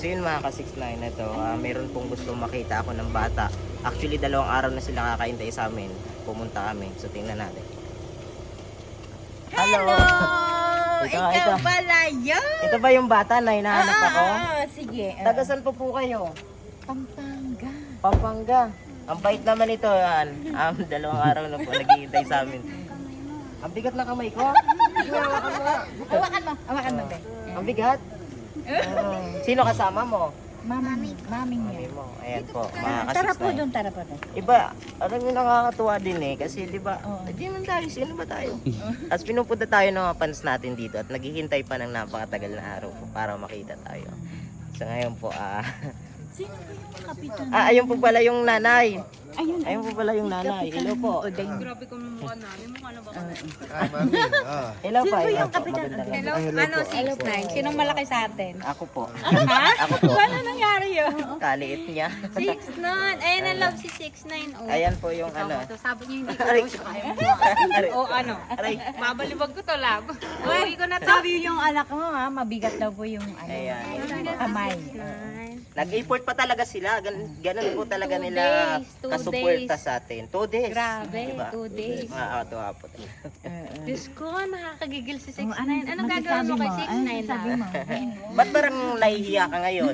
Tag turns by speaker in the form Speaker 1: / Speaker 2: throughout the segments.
Speaker 1: So yun mga ka-69 na to, meron pong gusto makita ako ng bata. Actually 2 araw na sila kakaintay sa amin. Pumunta kami. So tingnan natin.
Speaker 2: Hello! Ikaw pala yun!
Speaker 1: Ito ba yung bata na hinahanap ako?
Speaker 2: Sige.
Speaker 1: Taga saan po kayo?
Speaker 2: Pampanga.
Speaker 1: Pampanga. Ang bait naman ito. 2 araw na po naghihintay sa amin. Ang bigat ng kamay ko.
Speaker 2: Hawakan mo, be.
Speaker 1: Ang bigat. Sino kasama mo?
Speaker 2: Maming
Speaker 1: Mami
Speaker 2: niya.
Speaker 1: mo. Ayan po, mga
Speaker 2: Tara po
Speaker 1: ka-69.
Speaker 2: doon, tara po doon.
Speaker 1: Iba, alam mo nakakatuwa din kasi di ba,
Speaker 2: Oo.
Speaker 1: hindi man tayo, sino ba tayo? Tapos pinupunta tayo ng mga fans natin dito at naghihintay pa ng napakatagal na araw po para makita tayo. So ngayon po,
Speaker 2: Sino po yung kapitan?
Speaker 1: ayun po pala yung nanay.
Speaker 2: Ayun.
Speaker 1: Ayun po pala yung nanay. Hello po.
Speaker 3: Grabe ko yung mukha namin. Mukha na ba kami?
Speaker 1: Hello
Speaker 2: Sino
Speaker 1: pa.
Speaker 2: po yung kapitan?
Speaker 3: Hello? Ano, 6'9"? Sinong malaki sa atin?
Speaker 1: Ako po.
Speaker 3: Ha?
Speaker 1: Ako po.
Speaker 3: Paano nangyari yun?
Speaker 1: Kaliit niya.
Speaker 3: 6'9". Ayan ang love si 6'9". Oh.
Speaker 1: Ayan po yung ano.
Speaker 3: So, sabi niyo hindi ko
Speaker 1: Aray.
Speaker 3: daw siya kaya mo. O ano?
Speaker 1: Aray.
Speaker 3: Babalibag ko to, love. Uwi ko na to.
Speaker 2: Sabi yung anak mo ha, mabigat daw po yung
Speaker 1: Ayan.
Speaker 2: kamay.
Speaker 1: Nag-import pa talaga sila. Ganun po talaga
Speaker 3: 2
Speaker 1: nila
Speaker 3: days, 2
Speaker 1: kasuporta sa atin. 2 days.
Speaker 3: Grabe,
Speaker 1: Diba?
Speaker 3: 2 days.
Speaker 1: Nakakatuwa po.
Speaker 3: Diyos ko, nakakagigil si 6'9".
Speaker 2: Anong
Speaker 3: Anong gagawin mo kay 6'9
Speaker 2: sabi
Speaker 3: lang?
Speaker 2: mo?
Speaker 1: Ba't parang nahihiya ka ngayon?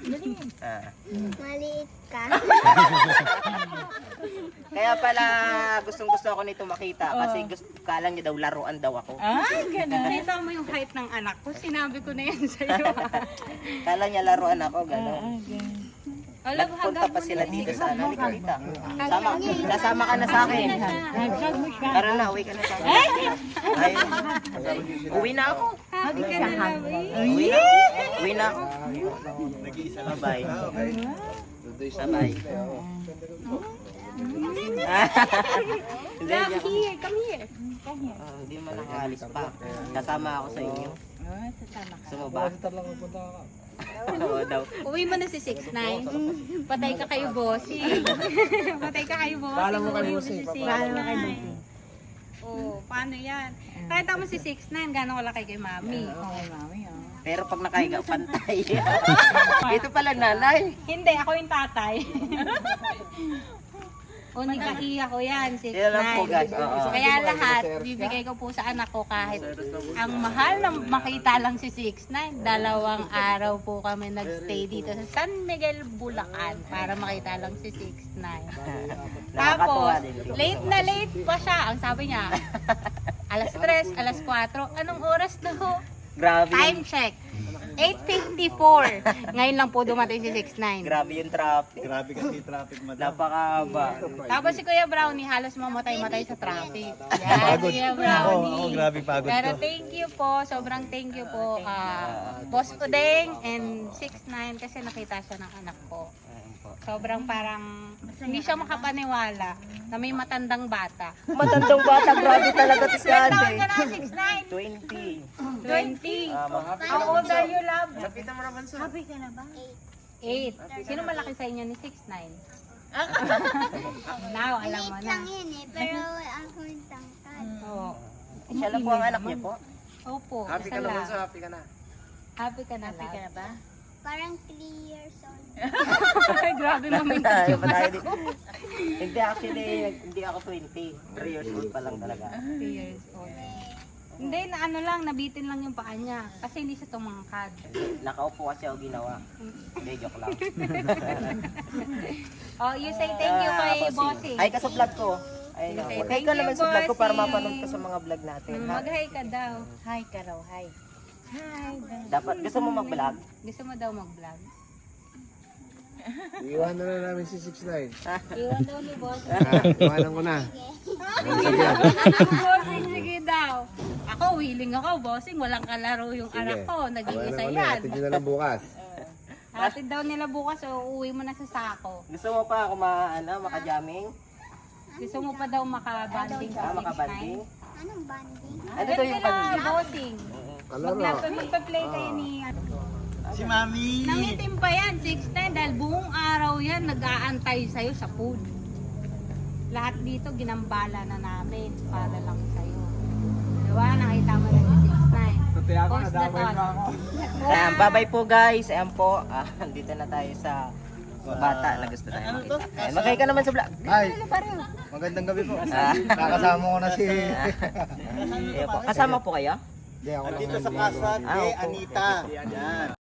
Speaker 4: Maliit ka.
Speaker 1: Kaya pala gustong-gusto ako nito makita kasi kala niya daw laruan daw ako.
Speaker 2: Ay, ganun.
Speaker 3: Nakita mo yung height ng anak ko, sinabi ko na yan sa'yo.
Speaker 1: Kala niya laruan ako, gano'n.
Speaker 3: Alam,
Speaker 1: Nagpunta
Speaker 3: hagad
Speaker 1: pa
Speaker 3: mo
Speaker 1: sila
Speaker 3: na
Speaker 1: dito
Speaker 3: si
Speaker 1: sa ano, Nicolita. Kasama ka na sa akin.
Speaker 2: Hag mo siya.
Speaker 1: Tara na, uwi ka na sa akin. Ayun. Uwi na ako.
Speaker 3: Hagi ka na lang, eh.
Speaker 1: Uwi na. Uwi na ako. Bye-bye. Bye-bye. Hindi
Speaker 3: Love,
Speaker 1: niya.
Speaker 3: here, come here.
Speaker 1: Hindi mo nakaalis pa. Kasama ako sa inyo. Gusto mo ba? Oo daw.
Speaker 3: Uwi mo na si 6'9". Patay ka kayo, bossy. Patay ka kayo, bossy. Paano mo kayo, bossy? Oh, paano yan? Kahit mo si 6'9", gano'ng kalaki kay mami.
Speaker 2: Okay, mami.
Speaker 1: Pero pag nakahiga, pantay. Ito pala nanay.
Speaker 3: Hindi, ako yung tatay. O, nagkaiya ko yan, 6'9".
Speaker 1: Yan lang po, guys. Oo.
Speaker 3: Kaya lahat, bibigay ko po sa anak ko kahit ang mahal na makita lang si 6'9". 2 araw po kami nagstay dito sa San Miguel, Bulacan para makita lang si 6'9".
Speaker 1: Nakakatuwa
Speaker 3: Tapos,
Speaker 1: din.
Speaker 3: late pa siya. Ang sabi niya, alas 3, alas 4. Anong oras daw?
Speaker 1: Grabe
Speaker 3: Time
Speaker 1: yung,
Speaker 3: check. 8:54. Ngayon lang po dumating si 6'9".
Speaker 1: grabe yung traffic.
Speaker 5: Grabe kasi traffic madam.
Speaker 1: Napakahaba.
Speaker 3: Tapos si Kuya Brownie halos mamatay-matay sa traffic. Yan, Kuya Brownie.
Speaker 5: Oo, grabe pagod
Speaker 3: Pero
Speaker 5: ko.
Speaker 3: thank you po, sobrang thank you po Boss Udeng and 6'9" kasi nakita siya ng anak ko. Sobrang parang hindi siya makapaniwala na may matandang bata.
Speaker 1: Matandang bata, grabe talaga to si
Speaker 3: Ilan taon
Speaker 1: ate.
Speaker 3: ka na, 6'9"?
Speaker 1: 20.
Speaker 3: 20.
Speaker 1: Mga
Speaker 3: How old are you, love?
Speaker 1: Nakita mo naman sa...
Speaker 2: Happy ka na ba?
Speaker 3: 8. Sino malaki sa inyo ni 6'9"? Now, alam mo
Speaker 4: Maliit
Speaker 3: na.
Speaker 4: lang yun eh, pero ako yung tangkad.
Speaker 3: Oo.
Speaker 1: Siya lang po ang anak niya po.
Speaker 3: Opo,
Speaker 5: Happy ka
Speaker 3: isa
Speaker 5: na
Speaker 3: lang.
Speaker 5: bunso, happy ka na.
Speaker 3: Happy ka na, love.
Speaker 2: ba?
Speaker 4: Parang 3 years old.
Speaker 3: Grabe naman
Speaker 1: Tayo pa tayo dito. Hindi actually, hindi ako 20. 3 years old pa lang talaga.
Speaker 3: 3 years old. Hindi, na ano lang, nabitin lang yung paa niya. Kasi hindi siya tumangkad.
Speaker 1: Nakaupo kasi ako ginawa. Hindi, joke lang.
Speaker 3: Oh, you say thank you kay Bossy.
Speaker 1: Ay, ka sa vlog ko. Ay, no.
Speaker 3: Say
Speaker 1: Mag-hi
Speaker 3: thank
Speaker 1: ka
Speaker 3: you,
Speaker 1: naman sa vlog ko para
Speaker 3: Bossy.
Speaker 1: mapanood ka sa mga vlog natin. Ha?
Speaker 3: Mag-hi ka daw.
Speaker 2: Hi ka raw, hi. Hi.
Speaker 1: Dapat, gusto mo mag-vlog?
Speaker 3: Gusto mo daw mag-vlog?
Speaker 5: Iwanan na namin si 6'9".
Speaker 3: Iwan daw ni Bossy.
Speaker 5: Iwanan ko na.
Speaker 3: Bossing, sige daw. Ako, willing ako, Bossing. Walang kalaro yung anak ko. Nag-iisa yan.
Speaker 5: Atid nyo na lang bukas.
Speaker 3: Hatid daw nila bukas, so uuwi mo na sa sako.
Speaker 1: Gusto mo pa ako maka-jamming?
Speaker 3: Gusto mo pa daw makabanding sa 6'9"?
Speaker 1: Makabanding?
Speaker 4: Anong banding?
Speaker 1: Ano to yung
Speaker 3: sila,
Speaker 1: pag...
Speaker 3: Bossing. Magpa-play kayo ni...
Speaker 5: Si Mami!
Speaker 3: Nangitim pa yan, 6'9", dahil buong araw yan nag-aantay sa'yo sa food. Lahat dito ginambala na namin para lang sa'yo. Diba? Nakita mo na si 6'9". Post that on.
Speaker 1: Ayan, bye-bye po guys. Ayan po, dito na tayo sa bata na gusto tayo makita. Ayan, magkaya ka naman sa vlog.
Speaker 5: Ay, magandang gabi po. Nakasama ko na si...
Speaker 1: Ayan po. Kasama po kayo?
Speaker 5: Hindi, ako lang
Speaker 6: Dito sa
Speaker 5: ang-
Speaker 6: casa
Speaker 1: Ah,
Speaker 6: ni
Speaker 1: opo.
Speaker 6: Anita. Yan.